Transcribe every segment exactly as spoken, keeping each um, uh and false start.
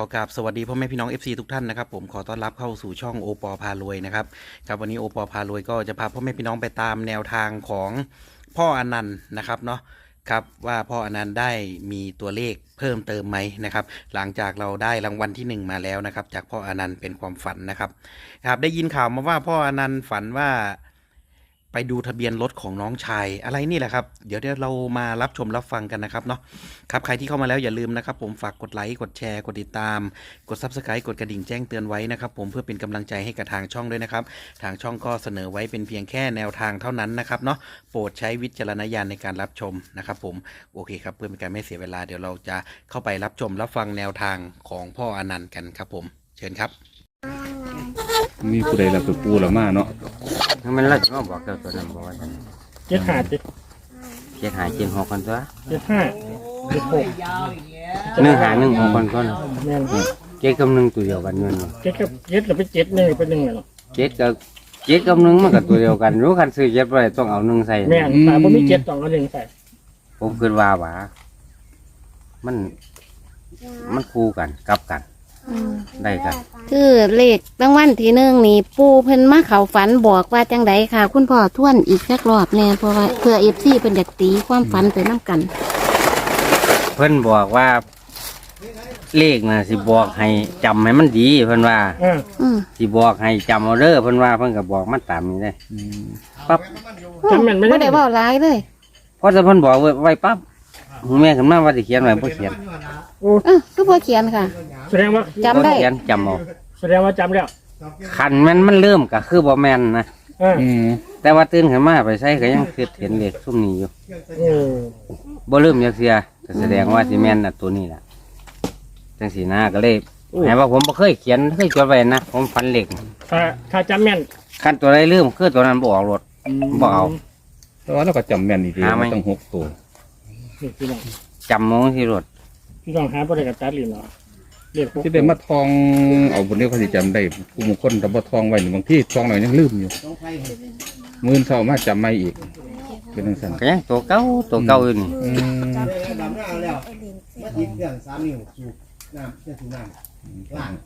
อกราบสวัสดีพ่อแม่พี่น้อง เอฟ ซี ทุกท่านนะครับผมขอต้อนรับเข้าสู่ช่องโอปอพารวยนะครับครับวันนี้โอปอพารวยก็จะพาพ่อแม่พี่น้องไปตามแนวทางของพ่ออนันต์นะครับเนาะครับว่าพ่ออนันต์ได้มีตัวเลขเพิ่มเติมไหมนะครับหลังจากเราได้รางวัลที่หนึ่งมาแล้วนะครับจากพ่ออนันต์เป็นความฝันนะครับครับได้ยินข่าวมาว่าพ่ออนันต์ฝันว่าไปดูทะเบียนรถของน้องชายอะไรนี่แหละครับเดี๋ยวเดี๋ยวเรามารับชมรับฟังกันนะครับเนาะครับใครที่เข้ามาแล้วอย่าลืมนะครับผมฝากกดไลค์กดแชร์กดติดตามกด ซับสไครบ์ กดกระดิ่งแจ้งเตือนไว้นะครับผมเพื่อเป็นกำลังใจให้กับทางช่องด้วยนะครับทางช่องก็เสนอไว้เป็นเพียงแค่แนวทางเท่านั้นนะครับเนาะโปรดใช้วิจารณญาณในการรับชมนะครับผมโอเคครับเพื่อเป็นการไม่เสียเวลาเดี๋ยวเราจะเข้าไปรับชมรับฟังแนวทางของพ่ออนันต์กันครับผมเชิญครับมีผู้ใดรับตัวปูละมาเนาะมันเราจะมาบอกเจ้าตัวนั้นบอกว่าท่านเจ็ดห้าเจ็ดเจ็ดหายเจ็ดหกคนตัวเจ็ดห้าเจ็ดหกหนึ่งหายหนึ่งหกคนก็นะแม่นเจ็ดกับหนึ่งตัวเดียวกันเงินเจ็ดกับเจ็ดเราไปเจ็ดหนึ่งเป็นหนึ่งเหรอเจ็ดกับเจ็ดกับหนึ่งมันก็ตัวเดียวกันรู้คันซื้อเจ็ดไปต้องเอาหนึ่งใส่แม่นแต่ผมมีเจ็ดต้องเอาหนึ่งใส่ผมคิดว่าว่ามันมันคู่กันกลับกันได้กันคือเลขรางวัลที่หนึ่งนี่ปูเพิ่นมาเขาฝันบอกว่าจังไดค่ะ คุณพ่อทวนอีกสักรอบแน่เพราะว่าเพื่อเอฟซีเป็นอยากตีความฝันไปน้ำกันเพิ่นบอกว่า เลขน่ะสิบอกให้จำให้มันดีเพิ่นว่าอ่าอืมสิบอกให้จำเอาเด้อเพิ่นว่าเพิ่นก็บอกมันตามนี้ได้ปั๊บจำแม่นไม่ไม่ได้ได้เว่าร้ายเลยพอจะเพิ่นบอกไว้ปั๊บแม่ขึ้นมาว่าสิเขียนไว้บ่เขียนโอ้เออคือพ่อเขียนค่ะแสดงว่าจำได้บ่เขียนจำเอาแสดงว่าจำแล้วคันมันมันเริ่มก็คือบ่แม่นนะอ่าอืมแต่ว่าตื่นขึ้นมาไปใส่ก็ยังคือเห็นเลขซุ่มนี้อยู่โอ้บ่ลืมจักเสียก็แสดงว่าสิแม่นน่ะตัวนี้ล่ะจังสีหน้าก็เลยให้ว่าผมบ่เคยเขียนเคยจดไว้นะผมฝันเลขถ้าถ้าจำแม่นคันตัวใดลืมคือตัวนั้นบ่ออกรถบ่เอาแต่ว่าเราก็จำแม่นดีหาไหมๆต้องหกตัวนี่พี่น้องจำมองที่รถพี่น้องหาบ่ได้กับตัดลิ้นหรอเรียกพวกที่ได้มาทองเอาบนนี้เขาสิจำได้ผู้บางคนแต่บ่ทองไว้นี่บางที่ทองหน่อยยังลืมอยู่มื่นเช้ามาจำไม่อีก เป็นจังซั่นก็ยังตัวเก่าตัวเก่าอยู่นี่อืมดำหน้าแล้วมาติดเครื่องสามนิ้วสูบน้ำเชื่อสูบน้ำล่าง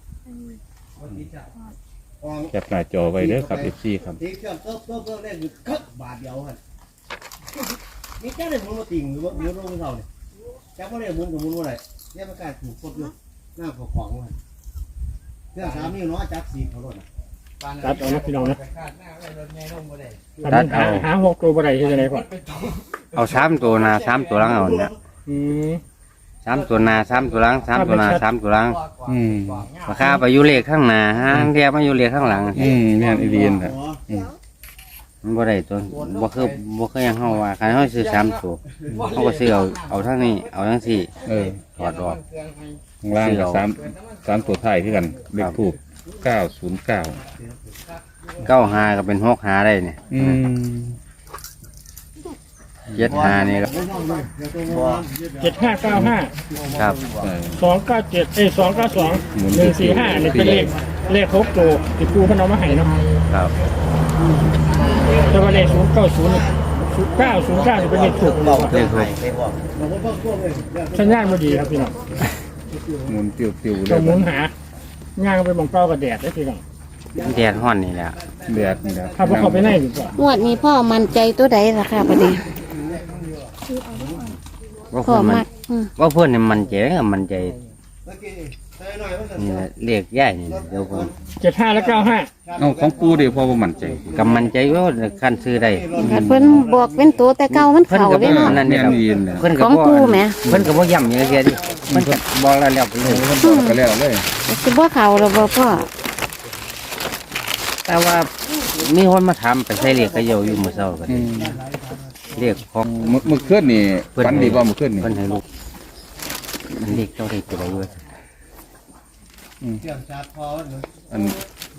อองแคปหน้าจอไว้เด้อครับ เอฟ ซี ครับติดเครื่องเติบเติบเติบเล่นอยู่คึกบาทเดียวครับมีแค่ได้มุนมาติ่งหรือว่ามุนลงเท่าเนี่ยจับว่าได้มุนกับมุนว่าไรเนี่ยมันกลายถูกกดอยู่หน้าของของมันเครื่องสามนิ้วเนาะจับสี่เขาลดอ่ะตัดเอานะพี่น้องนะตัดเอาหาหกตัวบ่ได้ที่ไหนพ่อเอาสามตัวหน้าสามตัวหลังเอาเนี่ยอืมสามตัวหน้าสามตัวหลังสามตัวหน้าสามตัวหลังอืมราคาไปอยู่เลขข้างหน้าห้างเดียวมาอยู่เลขข้างหลังอืมแม่นอีเดียนน่ะอ๋อมันบ่ได้ตัวบ่คือบ่คือหยังเฮาว่าคันเฮาซื้อสามตัวเฮาก็ซื้อเอาเอาทั้งนี้เอาทั้งสี่เออถอดออกข้างล่างก็สามสามตัวท้ายคือกันเลขทูปเก้าศูนย์เก้าเก้าหาก็เป็นหกหาได้เนี่ยอืมเจ็ดหานี่ก็เจ็ดห้าเก้าห้าครับเออสองเก้าเจ็ดเอ้ยสองเก้าสองหมุนหนึ่งสี่ห้านี่เป็นเลขเลขหกตัวที่ปูเพนเอามาให้เนาะครับแต่ว่าเลขศูนย์เก้าศูนย์ศูนย์เก้าศูนย์เก้าเป็นเลขถูกเลขหกสัญญาณไม่ดีครับพี่น้องหมุนติ้วๆเลเรายหมุนหาย่างไปมองเป้ากับแดดได้พี่น้องแดดฮ้อนนี่แหละเดือดนี่แหละถ้าพวกเขาไปไหนดีกว่างวดนี้พ่อมั่นใจตัวใดล่ะค่ะประเดี๋ยวว่าพ่อเพิ่นมัมาน อืมว่าเพิ่นนี่มันใจก็มันใจนี่แหละเรียกย่ายนี่แหละเดี๋ยวเพิ่นเจ็ดห้าและเก้าห้าเอาของกูเดี๋ยวพอบ่มั่นใจกำมันใจว่าขั้นซื้อได้คันเพิ่นบอกเป็นตัวแต่เก่ามันเพิ่นเข่าก็ได้บ่เนาะนั่นนี่แม่นแหละอีเดียนน่ะเพิ่นก็ของบ่กูแหมเพิ่นก็บ่ย้ำอย่างเดียวดิเพิ่นก็บอกแล้วแล้วไปเลยก็แล้วเลยสิบ่เข่าหรอบ่พ่อแต่ว่ามีคนมาถามไปใส่เลขกระเยาอยู่มื้อเช้าก็อืมเรียกของเมื่อเมื่อคืนนี่ฝันดีบ่เมื่อคืนนี่เพิ่นให้ลูกมันเลขเจ้าเลขตัวใดอยู่เครื่องชาร์จพอเนอะอัน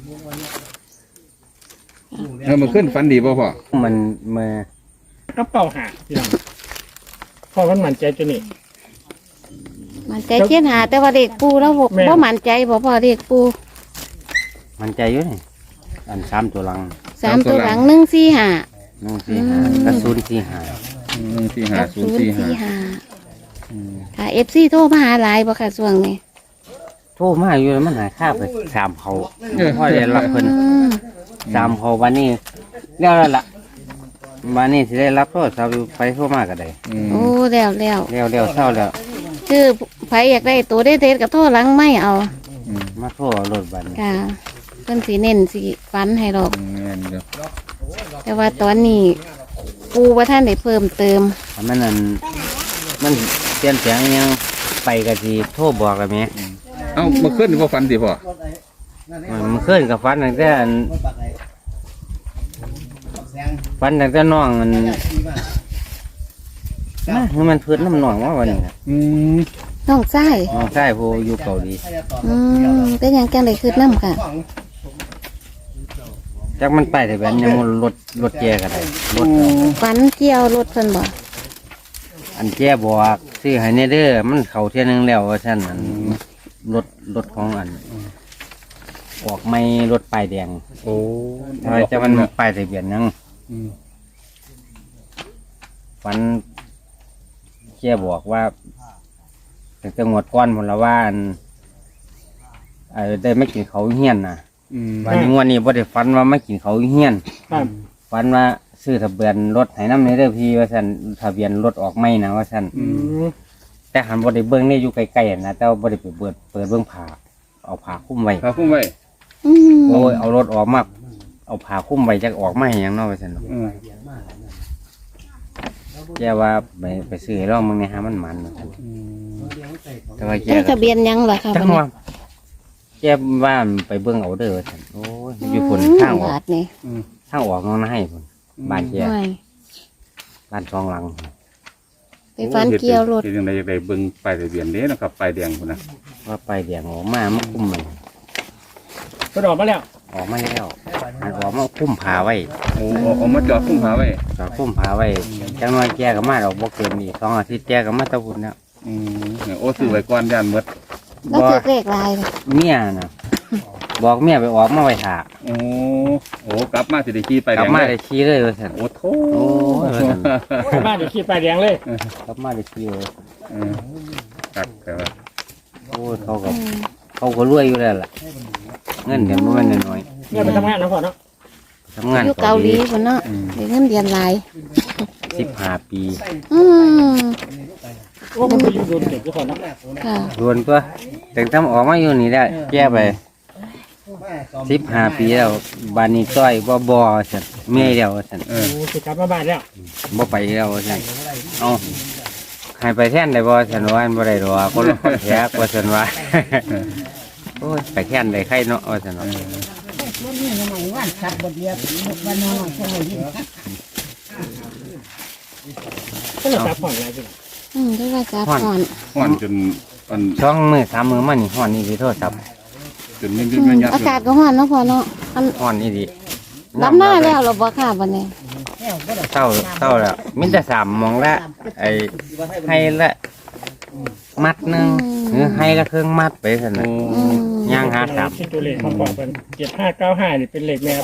เออเมื่อคืนฝันดีบ่พ่อมันมาก็เป้าหาพี่น้องพอมันมั่นใจตัวนี้มันใจเจ็ดหาแต่ว่าเด็กปูแล้วบ่แม่บ่มั่นใจบ่พ่อเด็กปูมันใจอยู่นี่อันสามตัวหลังสามตัวหลังหนึ่งสี่ห้าหนึ่งสี่ห้ากับศูนย์สี่ห้าหนึ่งสี่ห้ากับศูนศูย์นสี่ย์ห้าสี่ห้าค่ะเอฟซีโทรมาหาหลายบ่ค่ะช่วงนี้โททรมาอยู่แล้วมันหายค่าไปสามเขาพ่อได้รับเพิ่นอืมสามเขาวันนี้แล้วแล้วล่ะวันนี้สิได้รับโทษสาวไปโทรมาก็ได้อืมโอ้แล้วแล้วแล้วแล้วเศร้าแล้วคือไผอยากได้ตัวได้เด็ดๆก็โทรหลังไม่เอามาโทษรถบันค่ะเพิ่นสิเน้นสิฟันให้ดอกแม่นเด้อแต่ว่าตอนนี้ปูว่าท่านได้เพิ่มเติมถ้ามันนั่นมันเปลี่ยนแปลงอิหยังไปก็สิโทรบอกกันไหมเอ้าเมื่อคืนนี่บ่ฝันติพ่อมันขึ้นกับฟันตั้งแต่อันรถบักไอ้บักแซงฟันตั้งแต่น้องมันขี่มานะคือมันพื้นน้ำหนองว่าวันนี้นะอืมน้องไส้น้องชายผู้อยู่เกาหลีอืมเป็นหยังจังได้คืดน้ำค่ะจักมันไปแต่แบบยังรถรถแกก็ได้รถฟันเกี่ยวรถเพิ่นบ่อันแกบอกซื้อให้ในเด้อมันเข้าเที่ยหนึงแล้วว่าฉันอันรถรถของอันออกไม่รถป้ายแดงโอ้ทำไมจะมันป้ายทะเบียนยังอืมฟันแกบอกว่าแต่จังหวัดก้อนพนละว่าอันเออได้ไม่กินเขาวเฮี้ยนนะอืมวันนี้งวันนี้บ่ได้ฟันว่าไม่กินเขาวเฮี้ยนครับฟันว่าซื้อทะเบียนรถให้น้ำในเด้อพี่ว่าซั่นทะเบียนรถออกไม่นะว่าซั่นอืมแต่หันบ่ได้เบิ่งนี่อยู่ไกลๆนะแต่ว่าบ่ได้ไปเปิดเปิดเบิ่งผ้าเอาผ้าคลุมไว้พาคุ้มไว้อืมโอ้ยเอารถออกมาเอาผ้าคลุมไว้จักออกมาให้หยังเนาะว่าซั่นเนาะอืมแกว่าไปไปซื้อให้ลองมึงเนี่ยหามันมันว่าซั่นแต่ว่าแกได้ก็ทะเบียนหยังล่ะค่ะจับังดนี้ว่าแกว่าไปเบิ่งเอาเด้อว่าซั่นโอ้ยอยู่พุ่นทางออบาก ทนี่ทางออกน้องนาให้พุ่นบ้านแกไม่บ้านสองหลังไปฟันเกี่ยวรถเฮ็ดจังได๋อยากได้เบิ่งป้ายทะเบียนเด้นะครับป้ายแดงพุ่นน่ะว่าไปเดียงออกมามาคุ้มมันกระดอกมาแล้วออกมาแล้วอันออกมาคุ้มผาไว้โอ้เอาเอามาจอดคุ้มหาไว้ก็คุ้มผาไว้จังน้อยแกก็มาดอกบ่เกินอีกสองอาทิตย์แกก็มาตะบุญแล้วอืมโอ้ซื้อไว้ก่อนย่านหมดแล้วถือเลขลายเลยเมียน่ะบอกเมียไปออกมาไว้ถาโอ้โอ้กลับมาสิได้ขี่ไปายกแดลับงมาเลได้ยขี่เลยว่าซั่นโอ้โถโอ้ยว่าซั่นบ้านเดี๋ยวขี่ไปแดงเลยกลับมาได้ขี่เลยเออครับแต่ว่าโอ้ยเขาก็เขาก็รวยอยู่แล้วล่ะเงินเดือนบ่แม่นน้อยเนี่ยไปทำงานนะพ่อเนาะๆทำงานอยู่เกาหลีพุ่นเนาะได้เงินเดือนหลายสิบห้าปีอืมโอ้มันไปอยู่โดนเด็กทุกคนเนาะค่ะรวนตัวแต่ทำออกมาอยู่นี่ได้แกไปสิบห้าปีแล้วบ้านนี้จ้อยบ่บ่ซั่นเมียแล้วว่าซั่นเอโอ้อสิกลับมาบ้านแล้วบ่ไปแล้วว่าซั่นเอาให้ไปแท่นได้บ่ซั่นว่าอันบ่ได้ดอกคนละคนแท้ว่าซั่นว่า โอ้ยไปแท่นได้ใครเนาะว่าซั่นเนาะก็เลยจับผ่อนอะไรสิอืมได้ว่าจับก่อนฮ้อนจนอันช่องมือสามมือมานี่ฮ้อนนี่สิโทรศัพท์จนมันอืมันมยัดอากาศก็ร้อนเนาะพ่อเนาะอันฮ้อนนี่ดิรับหน้าแล้วเหราบ่ค่ะบัดนี้เศร้าเศร้าแล้วมีแต่สามหมองละไอ้ให้ละมัดหนึงหรือให้ละเครื่องมัดไปซั่นน่ะอืมย่างหาสามคิดตัวเลขของพ่อเป็นเจ็ดห้าเก้าห้านี่เป็นเลขแม่